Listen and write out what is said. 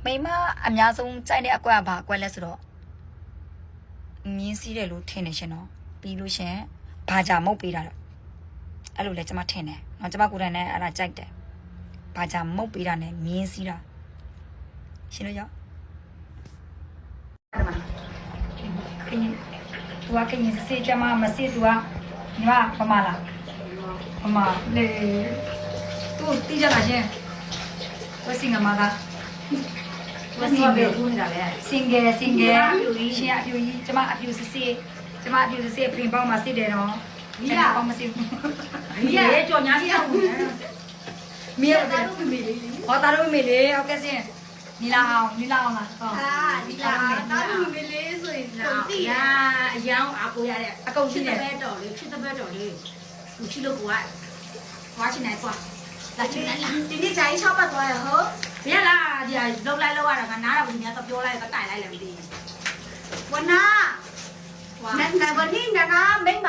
မိမအများဆုံးကြိုက်တဲ့အကွက်ဘာအကွက်လဲဆိုတော့မြင်းစီးတယ်လို့ထင်နေရှင်တော့ပြီးလို့ရှင်ဘာကြမုတ်ပေးတာတော့အဲ့လိုလဲကျွန်မထင်တယ်နော်ကျွန်မကိုယ်တိုင်လည်းအဲ့ဒါကြိုက်တယ်ဘာကြမုတ်ပေးတာနဲ့မြင်းစီးတာရှင်တို့ရောက်အဲ့ဒါခင်းသူကခင်းစေးကြမှာမစေးသူကညီမပမာလားပမာလေသူတီးကြလားရှင်ဝက်စင်ကမှာကဝက်စင်ပဲဦးနေတာလေစင်ငယ်ရှင်အပြူကြီးကျမအပြူစစ်စစ်ကျမအပြူစစ်စစ်ပြင်ပေါင်းမှာစစ်တယ်နော်မိရပေါင်းမစစ်ဘူးမိရရဲ့ကြော်ညာစီအောင်မိရတာတို့မေလေးဟောတာတို့မေလေးဟုတ်ကဲ့ရှင်နီလာအောင်လားဟောနီလာတာတို့မေလေးဆိုရင်တော့ရာအယောင်အကိုရတဲ့အကုန်ရှိတယ်ပဲတော်လေးဖြစ်တဲ့ပဲတော်လေးသူချီလို့ကိုကဝါချင်နိုင်ကွာလာချင်နိုင်လားဒီနေ့ဂျာကြီး6ပတ်သွားရဟုတ်ဘယ်လားဒီလောက်လိုက်လောက်ရတာကနားတော့ဘယ်များတော့ပြောလိုက်တော့တိုင်လိုက်လည်းမသိဘူးဝနာနန်နဘနီနာနာမင်း